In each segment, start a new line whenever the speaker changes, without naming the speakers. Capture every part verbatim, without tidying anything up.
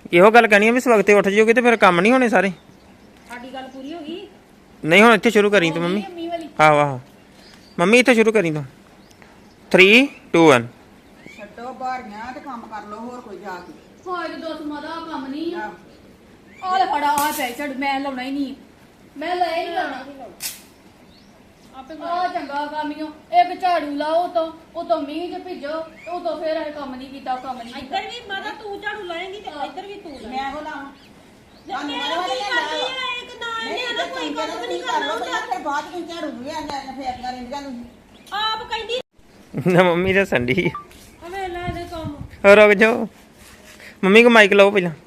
ਇਹੋ ਗੱਲ ਕਹਿਣੀ ਆ ਵੀ ਸਵਖਤੇ ਉੱਠ ਜਾਓਗੇ ਤੇ ਫਿਰ ਕੰਮ ਨਹੀਂ ਹੋਣੇ ਸਾਰੇ।
ਸਾਡੀ ਗੱਲ ਪੂਰੀ ਹੋ ਗਈ।
ਨਹੀਂ ਹੁਣ ਇੱਥੇ ਸ਼ੁਰੂ ਕਰੀ ਤੂੰ ਮੰਮੀ। ਆਹੋ ਆਹੋ ਮੰਮੀ ਇੱਥੇ ਸ਼ੁਰੂ ਕਰੀ ਤੂੰ। Three two one.
ਛੱਡੋ ਬਾਹਰੀਆਂ ਤੇ ਕੰਮ ਕਰ ਲਓ ਹੋਰ ਕੋਈ ਜਾ ਕੇ।
ਹੋਏ ਤੇ ਦੋਸਤ ਮਾਦਾ ਕੰਮ ਨਹੀਂ ਆ। ਆਹ ਲੈ ਫੜਾ ਆ ਪੈ ਛੱਡ ਮੈਂ ਲਾਉਣਾ ਹੀ ਨਹੀਂ। ਮੈਂ ਲੈ ਹੀ ਨਹੀਂ ਲਾਉਣਾ। ਆਪੇ ਆ ਚੰਗਾ ਕਾਮੀਓ ਇੱਕ ਝਾੜੂ ਲਾਓ ਤੋਂ ਉਹ ਤੋਂ ਮੀਂਹ ਚ ਭਿੱਜੋ ਉਹ ਤੋਂ ਫੇਰ ਇਹ ਕੰਮ ਨਹੀਂ ਕੀਤਾ ਕੰਮ ਨਹੀਂ
ਇੱਧਰ ਵੀ ਮਾਤਾ ਤੂੰ ਝਾੜੂ ਲਾਏਂਗੀ ਤੇ ਇੱਧਰ ਵੀ ਤੂੰ ਲਾਏਂਗੀ।
ਮੈਂ ਉਹ ਲਾਵਾਂ
ਤੁਹਾਨੂੰ ਕੀ ਕਰਦੀ ਹੈ ਇੱਕ ਨਾ ਇਹਨੇ ਨਾ ਕੋਈ ਕੰਮ ਨਹੀਂ ਕਰਨਾ ਹੁੰਦਾ।
ਫਿਰ ਬਾਅਦ ਵਿੱਚ ਝਾੜੂ ਵੀ ਆ ਜਾਣਾ ਫੇਰ ਕਰੇ ਜਾਂਦੂ
ਆਪ ਕਹਿੰਦੀ
ਨਾ ਮੰਮੀ ਦਾ ਸੰਡੀ
ਅਵੇ ਲੈ ਦੇ ਕੰਮ।
ਰੁਕ ਜਾਓ ਮੰਮੀ ਕੋ ਮਾਈਕ ਲਾਓ ਪਹਿਲਾਂ।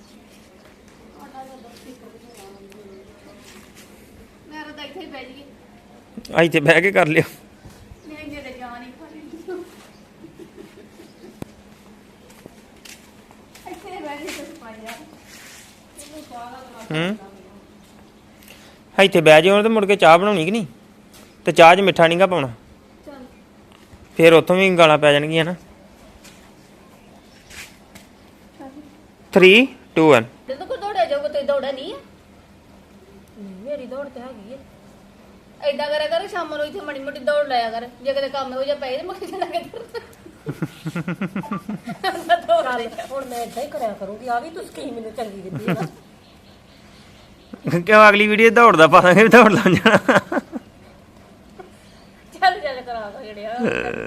ਮੈਂ ਤਾਂ ਇੱਥੇ ਹੀ ਬਹਿ ਜੀ
ਆ ਇੱਥੇ ਬਹਿ ਕੇ ਕਰ ਲਿਓ।
ਮੈਂ ਇੰਨੇ ਤੇ ਜਾਨ ਹੀ ਖਾਲੀ ਇੱਥੇ ਬਹਿ ਜੀ ਕੁਝ ਪਾਇਆ
ਹੂੰ ਇੱਥੇ ਬਹਿ ਜਾਓ ਤੇ ਮੁੜ ਕੇ ਚਾਹ ਬਣਾਉਣੀ ਕਿ ਨਹੀਂ ਤੇ ਚਾਹ 'ਚ ਮਿੱਠਾ ਨਹੀਂਗਾ ਪਾਉਣਾ
ਚੱਲ
ਫਿਰ ਉੱਥੋਂ ਵੀ ਗਾਲਾਂ ਪੈ ਜਾਣਗੀਆਂ ਨਾ। Three two one.
ਜਦੋਂ ਕੋ ਦੌੜਿਆ ਜਾਊਗਾ ਤੇ ਦੌੜਾ ਨਹੀਂ ਹੈ ਮੇਰੀ ਦੌੜ ਤੇ ਹੈਗੀ ਹੈ। ਏਦਾਂ ਕਰਿਆ ਕਰ ਸ਼ਾਮ ਨੂੰ ਇੱਥੇ ਮੜੀ ਮੋਟੀ ਦੌੜ ਲਾਇਆ ਕਰ ਜੇ ਕਦੇ ਕੰਮ ਹੋ ਜਾ ਪਏ ਤੇ ਮੁੱਕ ਜਾਣਾ ਕਿੱਧਰ
ਹੁਣ ਮੈਂ ਏਦਾਂ ਹੀ ਕਰਿਆ ਕਰੂੰਗੀ। ਆ ਵੀ ਤੂੰ ਸਕੀਮ ਮੈਨੂੰ ਚੰਗੀ ਦਿੱਤੀ ਹੈ
ਕਿਉਂ ਅਗਲੀ ਵੀਡੀਓ ਦੌੜਦਾ ਪਾ ਦਾਂਗੇ ਦੌੜ ਲਾ ਜਾਣਾ।
ਚੱਲ ਚੱਲ ਕਰਾ ਦੋ ਜਿਹੜਿਆ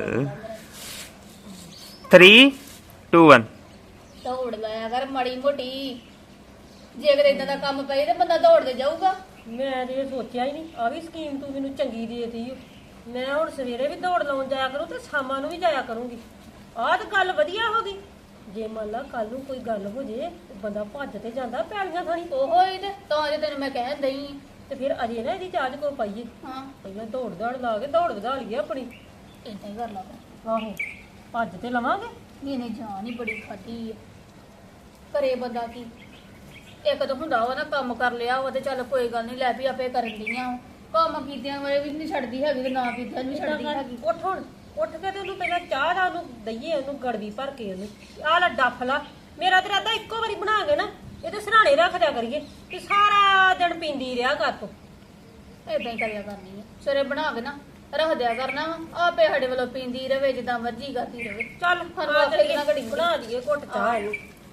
ਥ੍ਰੀ ਟੂ ਵਨ।
ਦੌੜ ਲਾਇਆ ਕਰ ਮੜੀ ਮੋਟੀ ਜੇ ਕਦੇ ਇਦਾਂ ਦਾ ਕੰਮ ਪਏ ਤੇ ਬੰਦਾ ਦੌੜਦੇ ਜਾਊਗਾ।
ਮੈਂ ਤੇ ਇਹ ਸੋਚਿਆ ਹੀ ਨਹੀਂ ਆ ਵੀ ਸਕੀਮ ਤੂੰ ਮੈਨੂੰ ਚੰਗੀ ਦੇਤੀ। ਮੈਂ ਹੁਣ ਸਵੇਰੇ ਵੀ ਦੌੜ ਲਾਉਣ ਜਾਇਆ ਕਰੂੰ ਤੇ ਸ਼ਾਮਾਂ ਨੂੰ ਵੀ ਜਾਇਆ ਕਰੂੰਗੀ। ਆਹ ਤਾਂ ਗੱਲ ਵਧੀਆ ਹੋ ਗਈ। ਜੇ ਮੰਨ ਲਾ ਕੱਲ ਨੂੰ ਕੋਈ ਗੱਲ ਹੋ ਜੇ ਬੰਦਾ ਭੱਜ ਤੇ ਜਾਂਦਾ ਪੈਲੀਆਂ ਥਾਣੀ
ਉਹੋ ਹੀ ਤੇ ਤਾਂ ਜੇ ਤੈਨੂੰ ਮੈਂ ਕਹਿਣ ਦਈ
ਤੇ ਫਿਰ ਅਜੇ ਨਾ ਇਹਦੀ ਚਾਰਜ ਕੋ ਪਾਈਏ।
ਹਾਂ
ਪਹਿਲਾਂ ਦੌੜ ਦੌੜ ਲਾ ਕੇ ਦੌੜ ਵਧਾ ਲਈਏ ਆਪਣੀ।
ਏਦਾਂ ਹੀ ਕਰ ਲਾ
ਆਹੋ ਭੱਜ ਤੇ ਲਵਾਂਗੇ।
ਨਹੀਂ ਨਹੀਂ ਜਾਨ ਹੀ ਬੜੀ ਖਾਦੀ ਹੈ ਘਰੇ ਬੰਦਾ ਕੀ ਇੱਕ ਤਾਂ ਹੁੰਦਾ ਵਾ ਨਾ ਕੰਮ ਕਰ ਲਿਆ ਉਹ ਤੇ ਚੱਲ ਕੋਈ ਗੱਲ ਨਹੀਂ ਲੈ ਵੀ ਆਪੇ ਕਰਨ ਦੀਆਂ ਕੰਮ ਕੀਤਿਆਂ ਵਾਲੇ ਵੀ ਨਹੀਂ ਛੱਡਦੀ ਹੈਗੀ ਤੇ ਨਾ ਕੀਤਿਆਂ ਵੀ ਛੱਡਦੀ ਹੈਗੀ।
ਉੱਠ ਹੁਣ ਉੱਠ ਕੇ ਤੇ ਉਹਨੂੰ ਪਹਿਲਾਂ ਚਾਹ ਦਾ ਉਹਨੂੰ ਦਈਏ ਉਹਨੂੰ ਗੜਵੀ ਭਰ ਕੇ ਉਹਨੂੰ ਆਹ ਲੈ ਡੱਫ ਲਾ। ਮੇਰਾ ਤੇ ਰਾਦਾ ਇੱਕੋ ਵਾਰੀ ਬਣਾ ਕੇ ਨਾ ਇਹਦੇ ਸਰਾਣੇ ਰੱਖ ਦਿਆ ਕਰੀਏ ਤੇ ਸਾਰਾ ਦਿਨ ਪੀਂਦੀ ਰਿਹਾ ਕਰ ਤੂੰ।
ਏਦਾਂ ਹੀ ਕਰਿਆ ਕਰਨੀ ਹੈ ਸਵੇਰੇ ਬਣਾ ਕੇ ਨਾ ਰੱਖ ਦਿਆ ਕਰਨਾ ਵਾ ਆਪੇ ਸਾਡੇ ਵੱਲੋਂ ਪੀਂਦੀ ਰਵੇ ਜਿੱਦਾਂ ਮਰਜ਼ੀ ਕਰਦੀ ਰਵੇ।
ਚੱਲ
ਹਰ
ਆ
ਵਾਰ
ਚੱਲੀਏ,
ਕਿੰਨਾ ਘੜੀ
ਬਣਾ ਦਈਏ ਘੁੱਟ ਚਾਹ ਇਹਨੂੰ।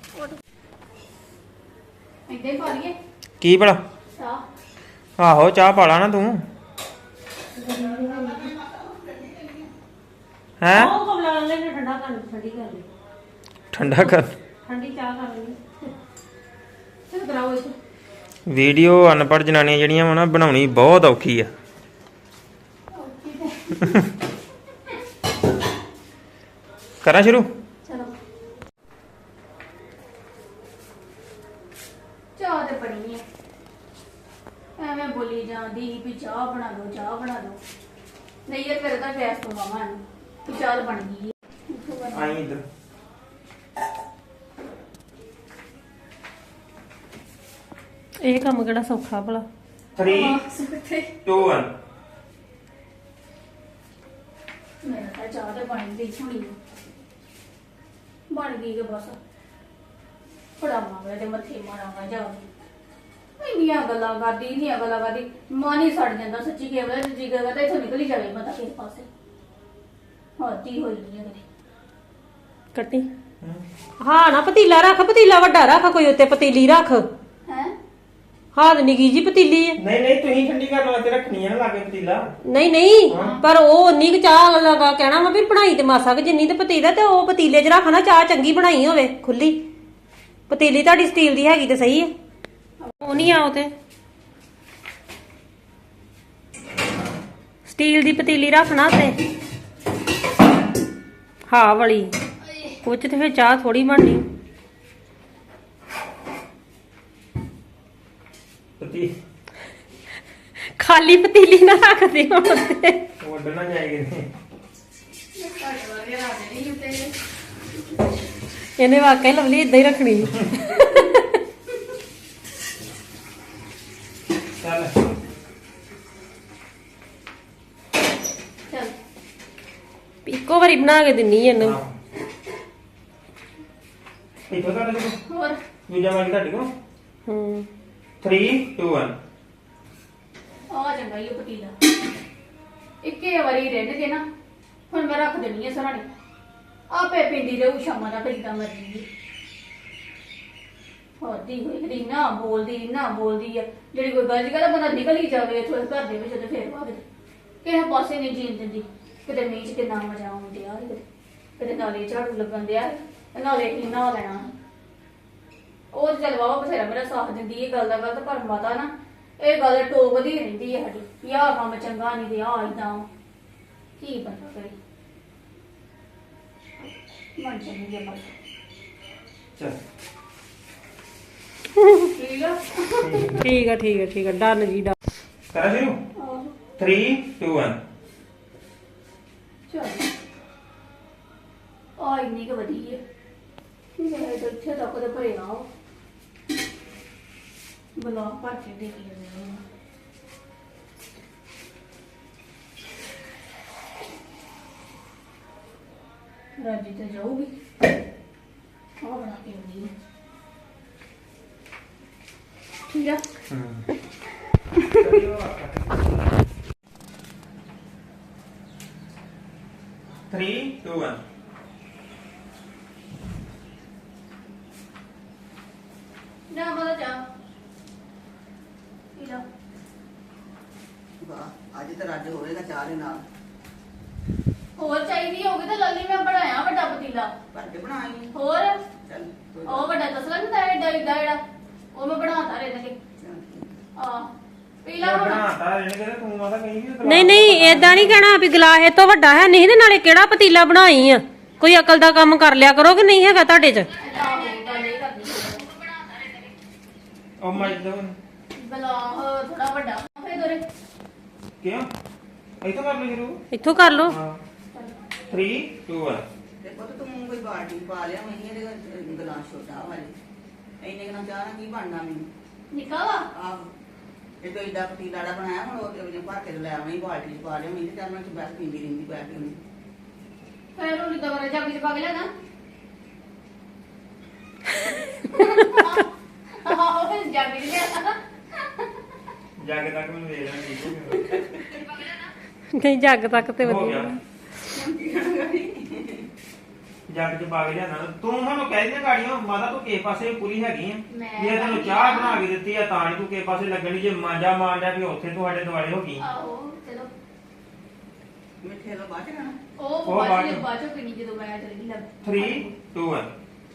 ਏਦਾਂ ਹੀ ਪਾ ਲਈਏ
ਕੀ ਭਲਾ
ਚਾਹ।
ਆਹੋ ਚਾਹ ਪਾ ਲਾ ਨਾ ਤੂੰ। ਹੈਂ
ਉਹ ਕਮਲਾ ਲੈ ਨੇ ਠੰਡਾ ਕਰ ਠੰਡੀ ਕਰ ਲਈ
ਠੰਡਾ ਕਰ
ਠੰਡੀ ਚਾਹ ਕਰ ਲਈ।
ਚੱਲ ਕਰਾਓ ਇਹ
ਵੀਡੀਓ ਅਨਪੜ੍ਹ ਜਨਾਨੀਆਂ ਜਿਹੜੀਆਂ ਵਾ ਨਾ ਬਣਾਉਣੀ ਬਹੁਤ ਔਖੀ ਆ। ਕਰਾਂ ਸ਼ੁਰੂ।
ਚਲੋ ਚਾਹ ਤੇ ਬਣੀ ਹੈ ਐਵੇਂ ਬੋਲੀ ਜਾਂਦੀ ਵੀ ਚਾਹ ਬਣਾ ਦੋ ਚਾਹ ਬਣਾ ਦੋ ਨਹੀਂ ਯਾਰ ਫਿਰ ਤਾਂ ਗੈਸ ਤੋਂ ਮਾਮਾ ਨੂੰ ਕਿ ਚਾਹ ਬਣ ਗਈ ਹੈ।
ਆਈ ਇੱਧਰ।
ਇਹ ਕੰਮ ਕਿਹੜਾ ਸੌਖਾ ਭਲਾ।
Three two one.
ਮੇਰਾ ਤਾਂ ਚਾਹ ਤੇ ਬਣ ਗਈ ਹੁਣੀ ਬਣ ਗਈ ਕਿ ਬਸ ਫੜਾਵਾਂਗੇ ਤੇ ਮੱਥੇ ਮਾਰਾਂਗਾ ਜਾ ਕੇ ਇੰਨੀਆਂ ਗੱਲਾਂ ਕਰਦੀ ਇੰਨੀਆਂ ਗੱਲਾਂ ਕਰਦੀ ਮਨ ਹੀ ਸੜ ਜਾਂਦਾ ਸੱਚੀ ਕੇਵਲ ਜੀ ਕਰਦਾ ਤਾਂ ਇੱਥੋਂ ਨਿਕਲ ਹੀ ਜਾਵੇ ਮਤਾ ਕਿਸੇ ਪਾਸੇ ਹਾਤੀ ਹੋਈ ਨਹੀਂ ਕਦੇ
ਕੱਟੀ ਹਾਂ ਨਾ ਪਤੀਲਾ ਰੱਖ ਪਤੀਲਾ ਵੱਡਾ ਰੱਖ ਕੋਈ ਉੱਤੇ ਪਤੀਲੀ ਰੱਖ।
ਹੈ
ਹਾਂ ਨਿੱਕੀ ਜੀ ਪਤੀਲੀ ਹੈ।
ਨਹੀਂ ਨਹੀਂ ਤੁਸੀਂ ਠੰਡੀ ਕਰਨ ਵਾਸਤੇ ਰੱਖਣੀ ਹੈ ਨਾ ਲਾਗੇ ਪਤੀਲਾ।
ਨਹੀਂ ਨਹੀਂ ਪਰ ਉਹ ਉਨੀ ਕੁ ਚਾਹ ਲਗਾ ਕਹਿਣਾ ਵਾ ਵੀ ਬਣਾਈ ਤੇ ਮਾਸਾ ਕਿ ਜਿੰਨੀ ਤੇ ਪਤੀਲਾ ਤੇ ਉਹ ਪਤੀਲੇ 'ਚ ਰੱਖਣਾ ਚਾਹ ਚੰਗੀ ਬਣਾਈ ਹੋਵੇ ਖੁੱਲੀ। ਪਤੀਲੀ ਤੁਹਾਡੀ ਸਟੀਲ ਦੀ ਹੈਗੀ ਤੇ ਸਹੀ ਹੈ। ਉਹ ਨਹੀਂ ਆਉ ਤੇ ਸਟੀਲ ਦੀ ਪਤੀਲੀ ਰੱਖਣਾ ਤੇ ਹਾਂ ਵਾਲੀ ਕੁਝ ਤੇ ਫਿਰ ਚਾਹ ਥੋੜੀ ਬਣਨੀ।
ਪਤੀ
ਖਾਲੀ ਪਤੀਲੀ ਨਾ ਰੱਖਦੇ ਹੁਣ ਤੇ
ਵੱਢਣਾ ਜਾਏਗੀ।
ਇਹਨੇ ਵਾਕਈ ਲਵਲੀ ਇਦਾਂ ਹੀ ਰੱਖਣੀ।
ਚੱਲ
ਚੱਲ
ਇੱਕੋ ਵਾਰੀ ਬਣਾ ਕੇ ਦਿੰਨੀ ਇਹਨੂੰ।
ਇੱਥੋਂ ਕਰ ਲੈ
ਹੋਰ
ਦੂਜਾ ਮਾਈਕ ਤੁਹਾਡੇ ਕੋਲ
ਹੂੰ
three two one
ਆ ਚੰਗਾ ਹੀ ਉਹ ਪਤੀਲਾ ਇੱਕੇ ਵਾਰੀ ਰਿੰਨ ਕੇ ਨਾ ਹੁਣ ਮੈਂ ਰੱਖ ਦੇਣੀ ਹੈ ਸਰਾਣੇ ਆਪੇ ਪਿੰਡੀ ਰਹੂ ਸ਼ਾਮਾਂ ਦਾ ਪੀਤਾ ਮਰਜੀ ਹੋਦੀ ਹੋਈ ਕਦੀ ਨਾ ਬੋਲਦੀ ਨਾ ਬੋਲਦੀ ਆ ਜਿਹੜੀ ਕੋਈ ਗੱਲ ਕਰਦਾ ਬੰਦਾ ਨਿਕਲ ਹੀ ਜਾਵੇ ਇੱਥੋਂ ਘਰ ਦੇ ਵਿੱਚ ਤੇ ਫੇਰ ਭਾਵੇਂ ਕਿਸੇ ਪਾਸੇ ਨਹੀਂ ਜੀਣ ਦਿੰਦੀ ਕਿਤੇ ਮੀਂਹ ਚ ਕਿੰਨਾ ਮਜ਼ਾ ਆਉਂਦਿਆ ਕਿਤੇ ਕਿਤੇ ਨਾਲੇ ਝਾੜੂ ਲੱਗਣ ਦਿਆ ਨਾਲੇ ਹੀ ਨਾ ਲੈਣਾ ਉਹ ਚੱਲ ਬਾਬਾ ਬਥੇਰਾ ਮੇਰਾ ਸਾਥ ਦਿੰਦੀ ਇਹ ਗੱਲ ਦਾ ਗਲਤ ਪਰ ਮਾਤਾ ਨਾ ਇਹ ਗੱਲ ਟੋਕਦੀ ਰਹਿੰਦੀ ਹੈ ਸਾਡੀ ਵੀ ਆਹ ਕੰਮ ਚੰਗਾ ਨਹੀਂ ਤੇ ਆਹ ਇਦਾਂ ਕੀ ਪਤਾ ਕਰੇ ਮਨ ਚੰਗੀ ਮਰ
ਚਲ
ਠੀਕ ਆ
ਠੀਕ ਆ ਠੀਕ ਆ ਠੀਕ ਆ ਡਨ ਜੀ ਡਨ
ਕਰਾਂ ਸ਼ੁਰੂ
ਆਹੋ
three two one
ਚਲ ਆ ਇੰਨੀ ਕੁ ਵਧੀਆ ਮੈਂ ਤਾਂ ਇੱਥੇ ਤੱਕ ਤੇ ਭਰਿਆ ਬਲਾ ਭਰ ਕੇ ਦੇ ਕੇ ਰਾਜੀ ਤੇ ਜਾਊਗੀ ਆ ਬਣਾ ਕੇ ਆਉਂਦੀ ਠੀਕ ਆ
three two one
ਨਾ ਮਦਾ ਜਾ ਠੀਕ ਆ
ਵਾਹ ਅੱਜ ਤਾਂ ਰੱਜ ਹੋਵੇਗਾ ਚਾਹ ਦੇ ਨਾਲ
ਹੋਰ ਚਾਹੀਦੀ ਹੋਵੇ ਤਾਂ ਲੱਲੀ ਮੈਂ ਬਣਾਇਆ ਵੱਡਾ ਪਤੀਲਾ
ਭਰ ਕੇ ਬਣਾਈ
ਹੋਰ
ਚੱਲ ਕੋਈ ਗੱਲ
ਉਹ ਵੱਡਾ ਤਸਲਾ ਨਹੀਂ ਤਾਂ ਏਡਾ ਏਡਾ ਜਿਹੜਾ ਉਹ ਮੈਂ ਬਣਾਤਾ ਰੇ ਤੇ
ਚੱਲ।
ਆ ਪੀਲਾ ਹੁਣ
ਬਣਾਤਾ ਇਹਨੇ ਕਹਿੰਦਾ ਤੂੰ ਮਾਤਾ ਕਹੀ ਵੀ
ਨਹੀਂ ਨਹੀਂ ਏਦਾਂ ਨਹੀਂ ਕਹਿਣਾ ਵੀ ਗਲਾਸ ਇਹ ਤੋਂ ਵੱਡਾ ਹੈ ਨਹੀਂ ਤੇ ਨਾਲੇ ਕਿਹੜਾ ਪਤੀਲਾ ਬਣਾਈ ਆ ਕੋਈ ਅਕਲ ਦਾ ਕੰਮ ਕਰ ਲਿਆ ਕਰੋ ਕਿ ਨਹੀਂ ਹੈਗਾ ਤੁਹਾਡੇ 'ਚ
ਏਦਾਂ ਹੋਊਗਾ ਨਹੀਂ ਕਰਨੀ
ਉਹ ਮਾਈਕ ਦਾ
ਬਲਾ ਥੋੜਾ ਵੱਡਾ ਫੇਰ ਦੋਰੇ
ਕਿਉਂ ਇੱਥੋਂ ਕਰ ਲਓ ਸ਼ੁਰੂ
ਇੱਥੋਂ ਕਰ ਲਓ
ਹਾਂ three two one
ਤੇ ਪੁੱਤ ਤੂੰ ਕੋਈ ਬਾਲਟੀ ਪਾ ਲਿਆ ਮੈਂ ਇਹਦੇ ਵਿੱਚ ਗਲਾਸ ਛੋਟਾ ਵਾਲੇ ਇੰਨੇ ਕੁ ਨਾਲ ਚਾਹ ਨਾਲ ਕੀ ਬਣਨਾ ਮੈਨੂੰ
ਨਿਕਾ ਵਾ
ਆਹੋ ਇਹ ਤੋਂ ਏਡਾ ਪਤੀਲਾ ਦਾ ਬਣਾਇਆ ਹੁਣ ਉਹ ਉਹਨੇ ਭਰ ਕੇ ਲੈ ਆਉਣੀ ਬਾਲਟੀ ਚ ਪਾ ਲਿਆ ਮੈਂ ਤੇ ਚੱਲ ਮੈਂ ਬਸ ਪੀਂਦੀ ਰਹਿੰਦੀ ਬੈਠ ਕੇ ਉਹਨੇ
ਫੇਰ ਉਹ ਨਿਕਾ ਕਰੇ ਚਾਬੀ ਚ ਪਾ ਕੇ ਲੈਣਾ ਆਹ ਉਹ ਫਿਰ ਚਾਬੀ ਚ ਲਿਆ
ਜਾ ਕੇ ਤੱਕ ਮੈਨੂੰ ਦੇ ਦੇਣਾ ਠੀਕ ਹੋ
ਨਹੀਂ ਜੱਗ ਤੱਕ ਤੇ
ਹੋ ਗਿਆ
ਵਧੀਆ
ਜੱਗ ਚ ਪਾ ਕੇ ਲਿਆਣਾ ਤੂੰ ਸਾਨੂੰ ਕਹਿ ਦੇ ਗਾੜੀਆਂ ਮਾਤਾ ਤੂੰ ਕਿਸੇ ਪਾਸੇ ਪੂਰੀ ਹੈਗੀ ਆ
ਮੈਂ
ਜੇ ਤੈਨੂੰ ਚਾਹ ਬਣਾ ਕੇ ਦਿੱਤੀ ਆ ਤਾਂ ਨੀ ਤੂੰ ਕਿਸੇ ਪਾਸੇ ਲੱਗਣੀ ਜੇ ਮਾਂਜਾ ਮਾਰਦਾ ਵੀ ਉੱਥੇ ਤੁਹਾਡੇ ਦੁਆਲੇ ਹੋ ਗਈ
ਆਹੋ ਚਲੋ
ਮਿੱਠੇ ਦਾ ਬਾਅਦ ਚ ਖਾਣਾ
ਉਹ
ਉਹ
ਬਾਅਦ
ਬਾਅਦ
ਚ
ਚ।
ਬਾਅਦ ਚ ਪੀਣੀ ਜਦੋਂ ਮੈਂ ਚਲ ਗਈ ਲੱਗ
three two one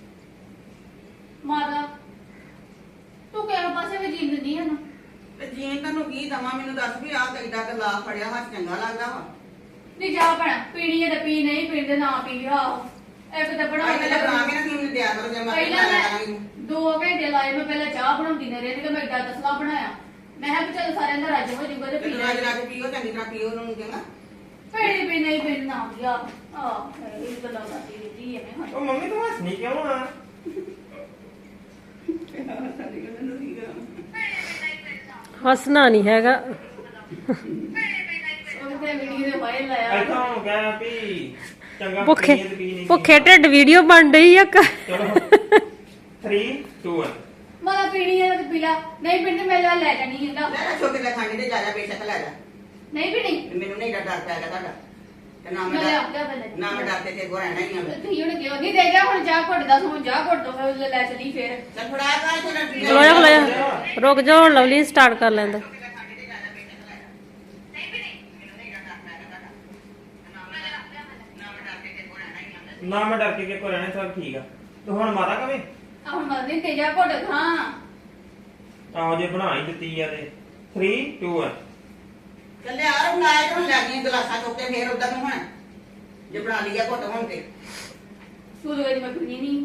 ਮਾਤਾ ਤੂੰ ਕਿਹੜੇ ਪਾਸੇ ਵੀ ਜੀਣ ਦਿੰਦੀ ਹੈ ਨਾ
ਤੇ ਜੀਨ ਤੈਨੂੰ ਕੀ ਦਵਾਂ ਮੈਨੂੰ ਦੱਸ ਵੀ ਆਹ ਏਡਾ ਕ ਲਾ ਫੜਿਆ ਹੱਥ ਚੰਗਾ ਲੱਗਦਾ ਵਾ
ਨਹੀਂ ਜਾ ਭੈਣਾ ਪੀਣੀ ਹੈ ਤੇ ਪੀ ਨਹੀਂ ਪੀਂਦੇ ਨਾ ਪੀ ਆ ਇੱਕ ਤਾਂ ਬਣਾ
ਆਹ
ਕੇ
ਤੇ ਬਣਾ ਕੇ ਨਾ ਕੀ ਮੈਨੂੰ ਦਿਆ ਕਰੋ ਜੇ ਮੈਂ
ਪਹਿਲਾਂ
ਬਣਾ
ਮੈਂ
ਲਾਂਗੀ
ਦੋ ਘੰਟੇ ਲਾਏ ਮੈਂ ਪਹਿਲਾਂ ਚਾਹ ਬਣਾਉਂਦੀ ਨੇ ਰਹਿ ਤੇ ਮੈਂ ਏਡਾ ਤਸਲਾ ਬਣਾਇਆ ਮੈਂ ਕਿਹਾ ਵੀ ਚੱਲ ਸਾਰਿਆਂ ਦਾ ਰੱਜ ਹੋ ਜਾਊਗਾ ਤੇ
ਤੇ
ਪੀ
ਰਾਜ
ਲੈ
ਰਾਜ ਪੀਓ ਚੰਗੀ ਤਰ੍ਹਾਂ ਪੀਓ ਉਹਨੂੰ ਕਹਿੰਦਾ
ਪੀਣੀ ਪੀ ਨਹੀਂ ਪੀਣੀ ਨਾ ਗਿਆ ਆ ਇਹ ਗੱਲਾਂ ਕਰਦੀ ਰਹਿੰਦੀ ਹੈ ਮੈਂ
ਉਹ ਮੰਮੀ ਤੂੰ ਹੱਸਣੀ ਕਿਉਂ ਆ
ਸਾਡੀ ਗੱਲ ਨੂੰ ਕੀ ਕਰਾਂ
ਹੱਸਣਾ ਨਹੀਂ ਹੈਗਾ
ਉਹ ਤੇ ਵੀਡੀਓ ਦੇ ਵਾਇਰਲ ਲਾਇਆ
ਇੱਥੋਂ ਹੋ ਗਿਆ ਵੀ ਚੰਗਾ
ਭੁੱਖੇ
ਪੀਣੀ ਤੇ ਪੀ ਨਹੀਂ
ਭੁੱਖੇ ਢਿੱਡ ਵੀਡੀਓ ਬਣ ਰਹੀ ਆ ਕ-
ਚਲੋ three two one
ਮਾਂ ਪੀਣੀ ਹੈ ਤੇ ਪੀ ਲੈ ਨਹੀਂ ਪੀਣੀ ਮੈਂ ਲੈ ਲੈ ਜਾਣੀ ਹੈ
ਲੈ ਲੈ ਛੋਟੇ ਲੈ ਖਾਣੇ ਤੇ ਜਾ ਜਾ ਬੇਸ਼ੱਕ ਲੈ ਜਾ
ਨਹੀਂ ਪੀਣੀ
ਤੇ ਮੈਨੂੰ ਨਹੀਂ ਡਰ ਪਿਆ ਤੁਹਾਡਾ ਤੇ ਨਾ ਮੈਂ
ਮੈਂ ਲਿਆ
ਡਰ-
ਲਿਆ ਪਹਿਲੇ
ਨਾ ਮੈਂ ਡਰਦੇ ਤੇ ਗੋਰਾ ਨਹੀਂ ਆ ਮੈਂ
ਤੁਸੀਂ ਹੁਣ ਕਿਉਂ ਨਹੀਂ ਦੇ ਜਾ ਹੁਣ ਚਾਹ ਘੁੱਟ ਦਾ ਸੋਂ ਚਾਹ ਘੁੱਟ ਦੋ ਫਿਰ ਲੈ ਚਲੀ ਫੇਰ
ਚੱਲ ਫੜਾ ਕਾ ਇੱਥੇ ਨਾ ਪੀ
ਖਲੋ ਜਾ ਖਲੋ ਜਾ ਰੁਕ ਜਾ ਹੁਣ ਲਵਲੀ ਸਟਾਰਟ ਕਰ ਲੈਂਦਾ
ਨਾ ਮੈਂ ਡਰ ਕੇ ਕਿ ਕੋ ਰਹਿਣਾ ਸਭ ਠੀਕ ਆ ਤੇ ਹੁਣ ਮਾਤਾ ਕਵੇ
ਆ ਹੁਣ ਮਰਦੀ ਤੇ ਜਾ ਘੁੱਟ ਖਾਂ
ਆਹੋ ਜੇ ਬਣਾ ਹੀ ਦਿੱਤੀ ਆ ਤੇ three two one
ਚੱਲੇ ਆ ਬਣਾਇਆ ਤੇ ਹੁਣ ਲੱਗ ਗਈਆਂ ਗਲਾਸਾਂ ਚੁੱਕ ਕੇ ਫੇਰ ਉਧਰ ਨੂੰ ਹੁਣ ਜੇ ਬਣਾ ਲਿਆ ਘੁੱਟ ਹੁਣ ਤੇ
ਤੂੰ ਲੋਏ ਮੈਂ ਪੀਣੀ ਨਹੀਂ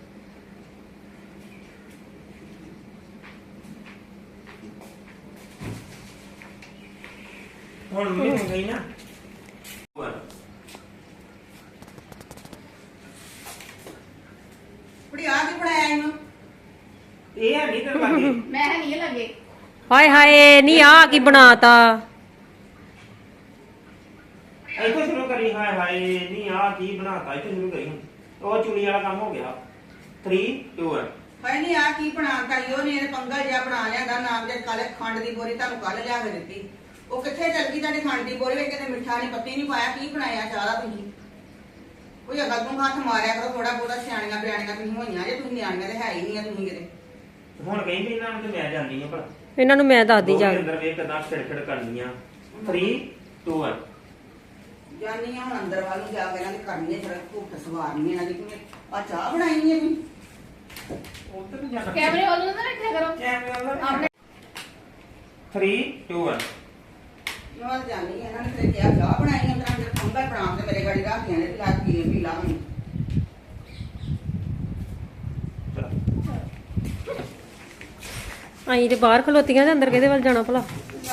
ਹੁਣ ਮੰਮੀ ਹੋ ਗਈ ਨਾ one
ਕੁੜੀ ਆ ਕੀ ਬਣਾਇਆ ਇਹਨੂੰ
ਇਹ ਹੈ ਨਹੀਂ ਤੇ ਲੱਗੇ
ਮੈਂ ਨਹੀਂ ਲੱਗੇ
ਹਾਏ ਹਾਏ ਨਹੀਂ ਆ ਕੀ ਬਣਾਤਾ
ਇੱਥੋਂ ਸ਼ੁਰੂ ਕਰੀ ਹਾਏ ਹਾਏ ਨਹੀਂ ਆ ਕੀ ਬਣਾਤਾ ਇੱਥੋਂ ਸ਼ੁਰੂ ਕਰੀ ਹੁਣ। ਉਹ ਚੁਣੀ ਵਾਲਾ ਕੰਮ ਹੋ ਗਿਆ three two one
ਹਾਏ ਨਹੀਂ ਆ ਕੀ ਬਣਾਤਾ ਈ ਉਹਨੇ ਇਹ ਪੰਗਲ ਜਿਹਾ ਬਣਾ ਲਿਆਂਦਾ ਨਾਮ ਦੇ ਕਾਲੇ ਖੰਡ ਦੀ ਬੋਰੀ ਤੁਹਾਨੂੰ ਕੱਲ ਲਿਆ ਕੇ ਦਿੱਤੀ ਉਹ ਕਿੱਥੇ ਚਲ ਗਈ ਤੁਹਾਡੀ ਖੰਡ ਦੀ ਬੋਰੀ ਵਿੱਚ ਕਿਤੇ ਮਿੱਠਾ ਨਹੀਂ ਪੱਤੀ ਨਹੀਂ ਪਾਇਆ ਕੀ ਬਣਾਇਆ ਚਾਹ ਦਾ ਤੁਸੀਂ ਕੋਈ ਅਗਲ ਨੂੰ ਹੱਥ ਮਾਰਿਆ ਕਰੋ ਥੋੜਾ ਬਹੁਤਾ ਸਿਆਣੀਆਂ ਬਿਆਣੀਆਂ ਤੁਸੀਂ ਹੋਈਆਂ ਜੇ ਤੁਸੀਂ ਨਿਆਣੀਆਂ ਤੇ ਹੈ ਹੀ ਨਹੀਂ ਆ ਤੁਸੀਂ ਕਿਤੇ
ਹੁਣ ਕਹੀਂ ਵੀ ਇਹਨਾਂ ਨੂੰ ਤੇ ਮੈਂ ਜਾਂਦੀ ਆ ਭਲਾ
ਇਹਨਾਂ ਨੂੰ ਮੈਂ ਦੱਸਦੀ ਜਾ
ਦੋਵੇਂ ਅੰਦਰ ਵੇਖ ਕਿਦਾਂ ਖਿੜਖਿੜ ਕਰਨੀਆਂ three two one
ਜਾਨੀ ਆ ਹੁਣ ਅੰਦਰ ਵੱਲ ਨੂੰ ਜਾ ਕੇ ਇਹਨਾਂ ਦੀ ਕਰਨੀ ਹੈ ਫਿਰ ਭੁੱਖ ਸਵਾਰਨੀ ਇਹਨਾਂ ਦੀ ਕਿਵੇਂ ਆ ਚਾਹ ਬਣਾਈ ਹੈ ਤੁਸੀਂ
ਉੱਧਰ ਨੂੰ ਜਾਣਾ
ਕੈਮਰੇ ਵੱਲ ਨੂੰ ਨਾ ਰੱਖਿਆ ਕਰੋ
ਕੈਮਰੇ ਵਾਲਾ
ਆਪਣੇ
three two one
ਮੈਂ ਜਾਨੀ ਆ ਇਹਨਾਂ ਨੇ ਤੇ ਕਿਹਾ ਚਾਹ ਬਣਾਈ ਹੈ ਤਾਂ ਅੰਦਰ ਪੰਗਲ ਬਣਾ ਕੇ ਮੇਰੇ ਗਾੜੀ ਰੱਖੀਆਂ ਨੇ ਲਾ ਪੀ ਪੀ ਲਾ ਹੁਣ
ਅਸੀਂ ਤੇ ਬਾਹਰ ਖਲੋਤੀਆਂ ਤੇ ਅੰਦਰ ਕਿਹਦੇ ਵੱਲ ਜਾਣਾ ਭਲਾ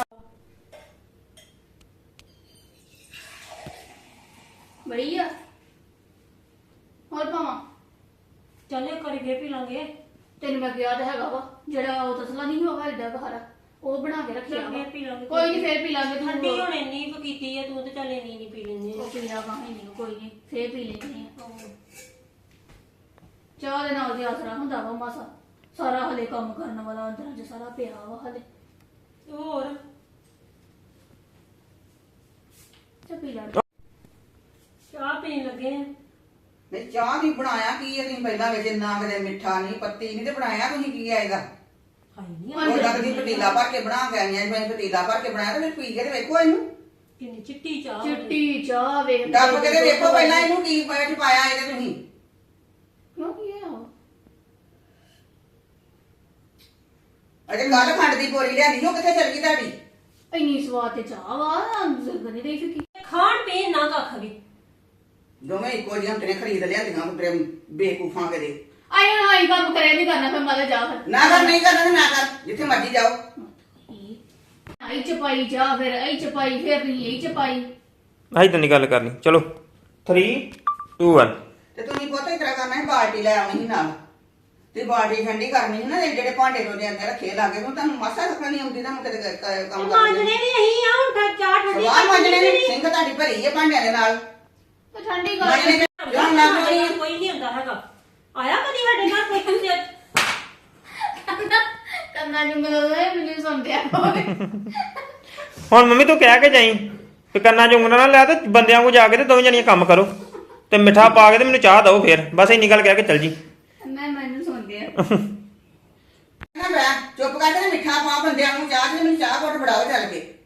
ਬੜੀ ਆ ਹੋਰ ਪਾਵਾਂ
ਚੱਲ ਇੱਕ ਵਾਰੀ ਫੇਰ ਪੀ ਲਾਂਗੇ
ਤੈਨੂੰ ਮੈਂ ਕਿਹਾ ਤਾਂ ਹੈਗਾ ਵਾ ਜਿਹੜਾ ਉਹ ਤਸਲਾ ਨਹੀਂ ਹੋਗਾ ਏਡਾ ਘਰ ਉਹ ਬਣਾ ਕੇ ਰੱਖਿਆ ਵਾ
ਫੇਰ ਪੀ ਲਾਂਗੇ
ਕੋਈ ਨਹੀਂ ਫੇਰ ਪੀ ਲਾਂਗੇ
ਠੰਡੀ
ਤੂੰ
ਹੁਣ ਇੰਨੀ ਕੁ ਕੀਤੀ ਹੈ ਤੂੰ ਤੇ ਚੱਲ ਇੰਨੀ ਨਹੀਂ ਪੀ ਲੈਂਦੀ
ਉਹ ਪੀ ਲਾ ਕਾਹੀ ਨਹੀਂ ਕੋਈ ਨਹੀਂ ਫੇਰ ਪੀ ਲੈਂਦੇ ਆ ਚਾਹ ਦੇ ਨਾਲ ਦੀ ਆਸਰਾ ਹੁੰਦਾ ਵਾ ਮਾਸਾ ਸਾਰਾ ਹਲੇ ਕੰਮ ਕਰਨ ਵਾਲਾ ਅੰਦਰਾਂ 'ਚ ਸਾਰਾ ਪਿਆ ਵਾ ਹਲੇ
ਹੋਰ
ਚੱਲ ਪੀ ਲਾ
ਚਾਹ ਪੀਣ ਲੱਗੇ ਆ
ਨਹੀਂ ਚਾਹ ਦੀ ਬਣਾਇਆ ਕੀ ਹੈ ਤੁਸੀਂ ਪਹਿਲਾਂ ਵਿੱਚ ਨਾ ਕਦੇ ਮਿੱਠਾ ਨਹੀਂ ਪੱਤੀ ਨਹੀਂ ਤੇ ਬਣਾਇਆ ਤੁਸੀਂ ਕੀ ਆਏਗਾ
ਹਾਈ ਨਹੀਂ
ਉਹ ਲੱਗਦੀ ਪਤੀਲਾ ਭਰ ਕੇ ਬਣਾ ਕੇ ਆਈਆਂ ਮੈਂ ਪਤੀਲਾ ਭਰ ਕੇ ਬਣਾਇਆ ਤੇ ਫਿਰ ਪੀ ਕੇ ਤੇ ਵੇਖੋ ਇਹਨੂੰ
ਕਿੰਨੀ ਚਿੱਟੀ ਚਾਹ
ਚਿੱਟੀ ਚਾਹ ਵੇਖ
ਡੱਬ ਕੇ ਤੇ ਵੇਖੋ ਪਹਿਲਾਂ ਇਹਨੂੰ ਕੀ ਵਿੱਚ ਪਾਇਆ ਇਹਦੇ ਤੁਸੀਂ
ਕਿਉਂ ਕੀ ਹੈ ਉਹ
ਅਜੇ ਕੱਲ ਖੰਡ ਦੀ ਬੋਰੀ ਲਿਆਂਦੀ ਉਹ ਕਿੱਥੇ ਚਲ ਗਈ ਤੁਹਾਡੀ
ਇੰਨੀ ਸਵਾਦ ਤੇ ਚਾਹ ਵਾ ਜ਼ਰੂਰ ਨਹੀਂ ਰਹੀ ਫਿੱਕੀ
ਖਾਣ ਪੀਣ ਨਾ ਕੱਖ ਵੀ
ਦੋਵੇਂ ਇੱਕੋ ਜਿਹੀਆਂ ਤੇਰੇ ਖਰੀਦ ਲਿਆਂਦੀਆਂ ਤੇਰੇ ਬੇਕੂਫਾਂ ਕਦੇ
ਆਏ ਹਾਈ ਕੰਮ ਕਰਿਆ ਨਹੀਂ ਕਰਨਾ ਫਿਰ ਮਾਲੇ ਜਾ ਫਿਰ
ਨਾ ਕਰ ਨਹੀਂ ਕਰਨਾ ਤੇ ਨਾ ਕਰ ਜਿੱਥੇ ਮਰਜੀ ਜਾਓ
ਆਈ ਚਪਾਈ ਜਾ ਫਿਰ ਆਈ ਚਪਾਈ ਫਿਰ ਨਹੀਂ ਆਈ ਚਪਾਈ
ਆਹੀ ਤਾਂ ਨਹੀਂ ਗੱਲ ਕਰਨੀ ਚਲੋ three two one
ਤੇ ਤੁਸੀਂ ਬਹੁਤਾ ਇਤਰਾ ਕਰਨਾ ਹੈ ਬਾਲਟੀ ਲੈ ਆਉਣੀ ਸੀ ਨਾਲ ਤੇ ਬਾਲਟੀ ਠੰਡੀ ਕਰਨੀ ਸੀ ਨਾ ਇਹ ਜਿਹੜੇ ਭਾਂਡੇ ਤੋਂ ਅੰਦਰ ਰੱਖੇ ਲਾਗੇ ਨੂੰ ਤੁਹਾਨੂੰ ਮਾਸਾ ਰੱਖਣਾ ਨਹੀਂ ਆਉਂਦੀ ਤੁਹਾਨੂੰ ਕਿਤੇ ਕ- ਕ- ਕੰਮ
ਮਾਂਜਣੇ
ਕਰਦੇ
ਵੀ ਅਸੀਂ ਆ ਹੁਣ ਤਾਂ ਚਾਹ ਠੰਡੀ
ਸਵਾਹ ਮਾਂਜਣੇ ਨੇ ਸਿੰਘ ਤੁਹਾਡੀ ਭਰੀ ਹੈ ਭਾਂਡਿਆਂ ਦੇ ਨਾਲ
ਤੇ ਠੰਡੀ
ਮਾਂਜਣੇ
ਕਰ
ਤੇ ਜਾਣ ਲੱਗ ਪਈ ਹੈ।
ਕੋਈ ਨਹੀਂ ਹੁੰਦਾ ਹੈਗਾ ਆਇਆ ਕਦੀ ਸਾਡੇ ਘਰ ਕੋਈ ਹੁੰਦੇ
ਕੰਨਾ ਜੁੰਗਲ ਹੋਏ ਮੈਨੂੰ ਸੁਣਦੇ ਆ ਹੋਵੇ
ਹੁਣ ਮੰਮੀ ਤੂੰ ਕਹਿ ਕੇ ਜਾਈ ਤੇ ਕੰਨਾਂ 'ਚ ਉਂਗਲਾਂ ਨਾ ਲੈ ਤੇ ਬੰਦਿਆਂ ਕੋ ਜਾ ਕੇ ਤੇ ਦੋਵੇਂ ਜਣੀਆਂ ਕੰਮ ਕਰੋ ਤੇ ਮਿੱਠਾ ਪਾ ਕੇ ਤੇ ਮੈਨੂੰ ਚਾਹ ਦਿਓ ਫੇਰ ਬਸ ਇੰਨੀ ਗੱਲ ਕਹਿ ਕੇ ਚੱਲ ਜੀ
ਮੈਂ ਮੈਨੂੰ ਸੁਣਦੇ ਆ
ਨਾ ਮੈਂ ਚੁੱਪ ਕਰਕੇ ਤੇ ਮਿੱਠਾ ਪਾ ਬੰਦਿਆਂ ਨੂੰ ਚਾਹ ਤੇ ਮੈਨੂੰ ਚਾਹ ਘੁੱਟ ਫੜਾਓ ਚੱਲ ਕੇ